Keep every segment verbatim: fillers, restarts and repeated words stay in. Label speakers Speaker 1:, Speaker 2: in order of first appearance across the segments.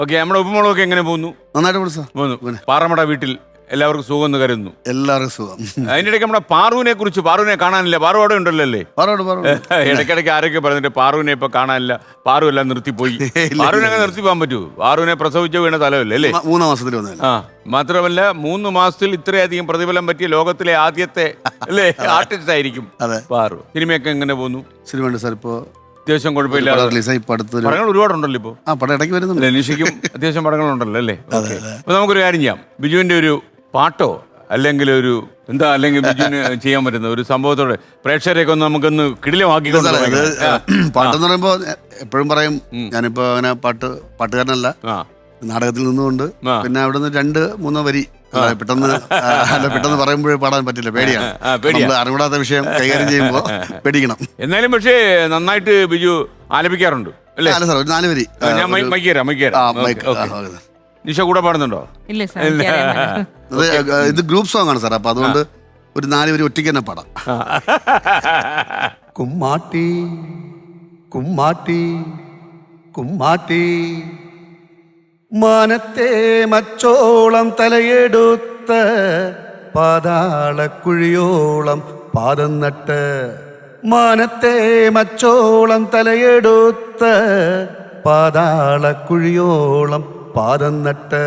Speaker 1: Okay, നമ്മുടെ ഉപ്പുമുളകൊക്കെ എങ്ങനെ പോകുന്നു?
Speaker 2: നന്നായിട്ട് പോണു സാർ.
Speaker 1: പോകുന്നു. പാറമട വീട്ടിൽ എല്ലാവർക്കും സുഖം എന്ന് കരുതുന്നു.
Speaker 2: എല്ലാവർക്കും സുഖം.
Speaker 1: അതിന്റെ ഇടയ്ക്ക് നമ്മുടെ പാറുവിനെ കുറിച്ച്, പാറുവിനെ കാണാനില്ല. പാറു അവിടെ ഉണ്ടല്ലോ അല്ലേ?
Speaker 2: പറോട് പറോട്.
Speaker 1: ഇടയ്ക്കിടയ്ക്ക് ആരൊക്കെ പറഞ്ഞിട്ട് പാറുവിനെ ഇപ്പൊ കാണാനില്ല, പാറു എല്ലാം നിർത്തിപ്പോയി. പാറുവിനെ അങ്ങനെ നിർത്തി പോകാൻ പറ്റൂ? പാറുവിനെ പ്രസവിച്ച വീണ തലമല്ലേ അല്ലേ?
Speaker 2: മൂന്നാം മാസത്തിൽ വന്നതല്ലേ.
Speaker 1: ആ, മാത്രമല്ല മൂന്ന് മാസത്തിൽ ഇത്രയധികം പ്രതിഫലം പറ്റിയ ലോകത്തിലെ ആദ്യത്തെ അല്ലേ ആർട്ടിസ്റ്റ് ആയിരിക്കും പാറു. സിനിമയൊക്കെ എങ്ങനെ പോകുന്നു?
Speaker 2: സിനിമയുണ്ട് സാർ. ഇപ്പോ
Speaker 1: അത്യാവശ്യം കുഴപ്പമില്ല.
Speaker 2: റിലീസായി ഇപ്പൊ അടുത്തൊരു
Speaker 1: പടങ്ങൾ ഒരുപാടുണ്ടല്ലോ ഇപ്പൊ.
Speaker 2: ആ പടം ഇടയ്ക്ക് വരുന്നുണ്ട്.
Speaker 1: നിഷയ്ക്കും അത്യാവശ്യം പടങ്ങളുണ്ടല്ലോ അല്ലേ? അപ്പൊ നമുക്കൊരു കാര്യം ചെയ്യാം. ബിജുവിന്റെ ഒരു പാട്ടോ അല്ലെങ്കിൽ ഒരു എന്താ, അല്ലെങ്കിൽ ബിജുവിന് ചെയ്യാൻ പറ്റുന്ന ഒരു സംഭവത്തോടെ പ്രേക്ഷകരെയൊക്കെ ഒന്ന് നമുക്കൊന്ന് കിടിലമാക്കി.
Speaker 2: പാട്ടെന്ന് പറയുമ്പോ എപ്പോഴും പറയും, ഞാനിപ്പോ അങ്ങനെ പാട്ട് പാട്ടുകാരനല്ല, നാടകത്തിൽ നിന്നുകൊണ്ട് പിന്നെ അവിടെ നിന്ന് രണ്ട് മൂന്നോ വരി പെട്ടെന്ന് അല്ല പെട്ടെന്ന് പറയുമ്പോഴേ പാടാൻ പറ്റില്ല, പേടിയാണ്. നമ്മൾ അറിവിടാത്ത വിഷയം കൈകാര്യം ചെയ്യുമ്പോ പേടിക്കണം.
Speaker 1: എന്നാലും പക്ഷേ നന്നായിട്ട് ബിജു ആലപിക്കാറുണ്ട് അല്ലേ?
Speaker 2: അല്ല സാർ, ഒരു നാല് വരി
Speaker 1: ഞാൻ മൈക്കേരാ മൈക്കേരാ നിഷ കൂടെ പാടുന്നുണ്ടോ?
Speaker 3: ഇല്ല സാർ.
Speaker 2: ഇത് ഗ്രൂപ്പ് സോങ് ആണ് സാർ, അപ്പൊ അതുകൊണ്ട് ഒരു നാല് വരി ഒറ്റയ്ക്ക് തന്നെ പാടാം. കുമ്മാട്ടി കുമ്മാട്ടി കുമ്മാട്ടി മാനത്തെ മച്ചോളം തലയെടുത്ത പാതാളക്കുഴിയോളം പാദം നട്ട്, മാനത്തെ മച്ചോളം തലയെടുത്ത പാതാളക്കുഴിയോളം പാദം നട്ട്,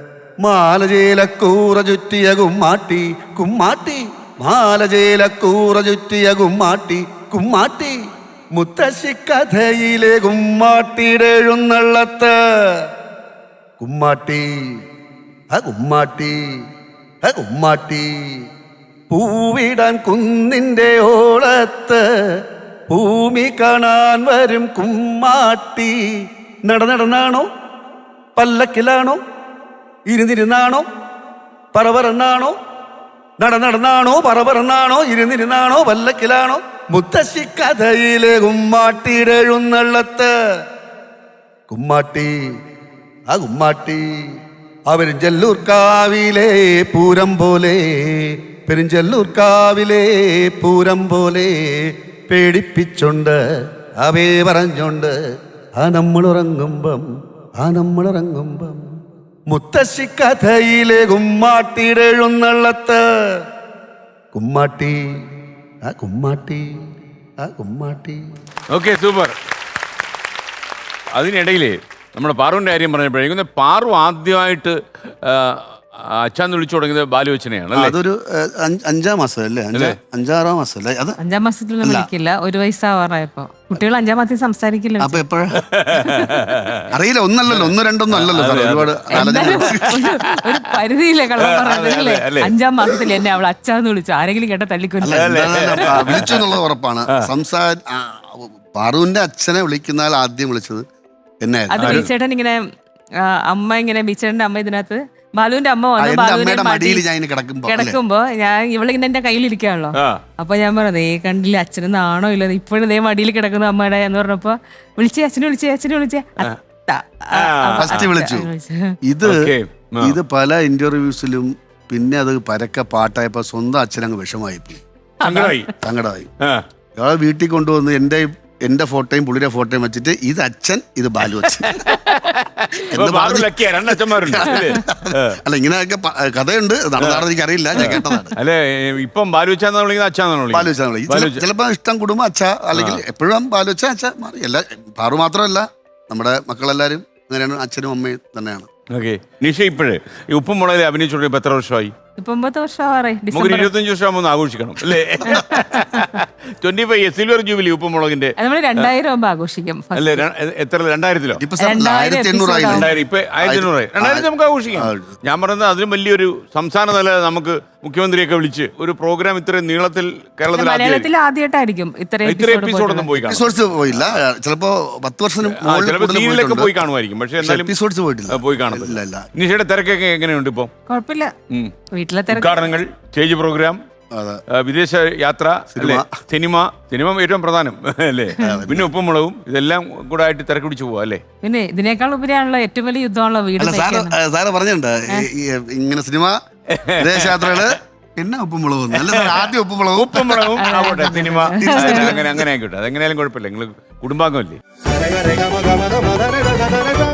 Speaker 2: മാലജേലക്കൂറ ചുറ്റിയ കുമ്മാട്ടി കുമ്മാട്ടി, മാലജേലക്കൂറ ചുറ്റിയ കുമ്മാട്ടി കുമ്മാട്ടി, മുത്തശ്ശിക്കഥയിലെ കുമ്മാട്ടിയുടെ എഴുന്നള്ളത്ത്, കുമ്മാട്ടി ആ കുമ്മാട്ടി ആ കുമ്മാട്ടി, പൂവിടാൻ കുന്നിൻ്റെ ഓളത്ത് ഭൂമി കാണാൻ വരും കുമ്മാട്ടി, നടനടനാണോ പല്ലക്കിലാണോ ഇരുന്നിരുന്നാണോ പറവറന്നാണോ, നടനടനാണോ പറവറന്നാണോ ഇരുന്നിരുന്നാണോ പല്ലക്കിലാണോ, മുത്തശ്ശിക്കഥയിലെ കുമ്മാട്ടിയുടെ എഴുന്നള്ളത്ത്, കുമ്മാട്ടി ആ കുമ്മാട്ടി, അവരിഞ്ചല്ലൂർക്കാവിലെ പൂരം പോലെ, പെരിഞ്ചല്ലൂർക്കാവിലെ പൂരം പോലെ, പേടിപ്പിച്ചോണ്ട് അവേ പറഞ്ഞോണ്ട് ആ നമ്മളുറങ്ങുമ്പം ആ നമ്മളുറങ്ങുമ്പം, മുത്തശ്ശിക്കഥയിലെ കുമ്മാട്ടിയുടെ എഴുന്നള്ളത്ത്, കുമ്മാട്ടി ആ കുമ്മാട്ടി ആ കുമ്മാട്ടി.
Speaker 1: Okay, super. അതിനിടയിൽ നമ്മുടെ പാറുവിൻ്റെ കാര്യം പറഞ്ഞപ്പോഴേക്കും പാറു ആദ്യമായിട്ട് അച്ഛാന്ന് വിളിച്ചു തുടങ്ങിയത് ബാലുവച്ചനെയാണ്.
Speaker 2: അതൊരു അഞ്ചാം മാസം അല്ലേ, അഞ്ചാറാം മാസം അല്ലേ? അത്
Speaker 3: അഞ്ചാം മാസത്തിലൊന്നും വിളിക്കില്ല, ഒരു വയസ്സാവാറായപ്പോ. കുട്ടികൾ അഞ്ചാം മാസത്തിൽ സംസാരിക്കില്ല.
Speaker 2: അപ്പൊ എപ്പോഴാ അറിയില്ല, ഒന്നല്ലല്ലോ, ഒന്ന് രണ്ടൊന്നും അല്ലല്ലോ സാർ, ഒരുപാട്
Speaker 3: ഒരു പരിധിയില്ലേ കള്ളം പറഞ്ഞല്ലേ? അഞ്ചാം മാസത്തിൽ എന്നെ അവൾ അച്ഛാന്ന് വിളിച്ചു, ആരെങ്കിലും കേട്ട തള്ളിക്കൊല്ല.
Speaker 2: വിളിച്ചു എന്നുള്ളത് ഉറപ്പാണ്. സംസാര പാറുവിന്റെ അച്ഛനെ വിളിക്കുന്ന ആദ്യം വിളിച്ചത് എന്നെ.
Speaker 3: അത് ബീച്ചേട്ടൻ ഇങ്ങനെ അമ്മ ഇങ്ങനെ ബീച്ചേട്ടന്റെ അമ്മ ഇതിനകത്ത് ബാലുവിന്റെ അമ്മ വന്നു, ബാലുവിന്റെ മടിയിൽ കിടക്കുമ്പോ ഞാൻ ഇവളിങ്ങനെ എന്റെ കയ്യിലിരിക്കാണല്ലോ. അപ്പൊ ഞാൻ പറഞ്ഞത് ഏ കണ്ടില്ല അച്ഛന് നാണോ ഇല്ല, ഇപ്പോഴും ഇതേ മടിയിൽ കിടക്കുന്ന അമ്മയുടെ എന്ന് പറഞ്ഞപ്പോ വിളിച്ചേ അച്ഛനെ വിളിച്ചേ അച്ഛനെ വിളിച്ചേ
Speaker 2: ഫസ്റ്റ് വിളിച്ചു. ഇത് ഇത് പല ഇന്റർവ്യൂസിലും പിന്നെ അത് പരക്കെ പാട്ടായപ്പോ സ്വന്തം അച്ഛനങ്ങ് വിഷമായി പോയി, സങ്കടമായി. ഇയാളെ വീട്ടിൽ കൊണ്ടുവന്ന് എന്റെ എന്റെ ഫോട്ടോയും പുള്ളിയുടെ ഫോട്ടോയും വെച്ചിട്ട് ഇത് അച്ഛൻ ഇത് ബാലു അച്ഛൻ അല്ല, ഇങ്ങനെയൊക്കെ കഥയുണ്ട്, നടന്നാണെന്ന് എനിക്ക് അറിയില്ല, ഞാൻ കേട്ടതാണ്.
Speaker 1: അല്ലെ ഇപ്പം
Speaker 2: ചിലപ്പോ ഇഷ്ടം കുടുംബം അച്ഛ, അല്ലെങ്കിൽ എപ്പോഴും ബാലു അച്ഛ അച്ഛ മാറി. എല്ലാ പാറു മാത്രമല്ല, നമ്മുടെ മക്കളെല്ലാരും അങ്ങനെയാണ്, അച്ഛനും അമ്മയും തന്നെയാണ്.
Speaker 1: ഓക്കെ, നിഷ ഇപ്പോഴേ ഈ ഉപ്പും മുളകിൽ അഭിനയിച്ചോണ്ട് ഇപ്പൊ എത്ര വർഷമായി?
Speaker 3: ഒമ്പത് വർഷമാറായി.
Speaker 1: നമുക്ക് ഇരുപത്തഞ്ച് വർഷം ആഘോഷിക്കണം അല്ലേ? ട്വന്റി ഫൈവ് സിൽവർ ജൂബിലി ഉപ്പും മുളകിന്റെ
Speaker 3: നമ്മൾ രണ്ടായിരം ആകുമ്പോ ആഘോഷിക്കും.
Speaker 1: അല്ലേ, എത്ര രണ്ടായിരത്തിലോ?
Speaker 2: ആയിരത്തി എണ്ണൂറായി
Speaker 1: ഇപ്പൊ ആയിരത്തി എണ്ണൂറായി രണ്ടായിരത്തി നമുക്ക് ആഘോഷിക്കാം. ഞാൻ പറയുന്നത് അതിലും വലിയൊരു സംസ്ഥാന തല നമുക്ക് മുഖ്യമന്ത്രിയൊക്കെ വിളിച്ച് ഒരു പ്രോഗ്രാം ഇത്രയും നീളത്തിൽ കേരളത്തിൽ
Speaker 3: മലയാളത്തിൽ ആദ്യമായിട്ടായിരിക്കും ഇത്രയും
Speaker 1: എപ്പിസോഡൊന്നും പോയി
Speaker 2: പോയില്ല. ചിലപ്പോ പത്ത് വർഷം
Speaker 1: സീരിയലൊക്കെ പോയി കാണുമായിരിക്കും, പക്ഷെ എന്നാലും
Speaker 2: എപ്പിസോഡ്സ് പോയിട്ടില്ല,
Speaker 1: പോയി കാണുന്നില്ല. നിഷയുടെ തിരക്കൊക്കെ എങ്ങനെയുണ്ട് ഇപ്പൊ?
Speaker 3: കുഴപ്പമില്ല, വീട്ടിലെ
Speaker 1: ഉദ്ഘാടനങ്ങൾ, സ്റ്റേജ് പ്രോഗ്രാം, വിദേശ യാത്ര, സിനിമ സിനിമ ഏറ്റവും പ്രധാനം അല്ലേ? പിന്നെ ഉപ്പും മുളകും ഇതെല്ലാം കൂടെ ആയിട്ട് തിരക്ക് പിടിച്ചു പോവാ അല്ലേ?
Speaker 3: പിന്നെ ഇതിനേക്കാൾ ഉപരിയാണല്ലോ ഏറ്റവും വലിയ യുദ്ധമാണല്ലോ വീട്.
Speaker 2: സാറ് പറഞ്ഞിട്ടുണ്ട് ഇങ്ങനെ സിനിമ, വിദേശയാത്രകള്, പിന്നെ ഉപ്പും മുളകും. ആദ്യം ഉപ്പും മുളകും
Speaker 1: ഉപ്പും മുളകും ആവട്ടെ, സിനിമ അങ്ങനെ അങ്ങനെ ആയിക്കോട്ടെ. അതെങ്ങനെയാലും കുഴപ്പമില്ല, നിങ്ങൾ കുടുംബാംഗമല്ലേ?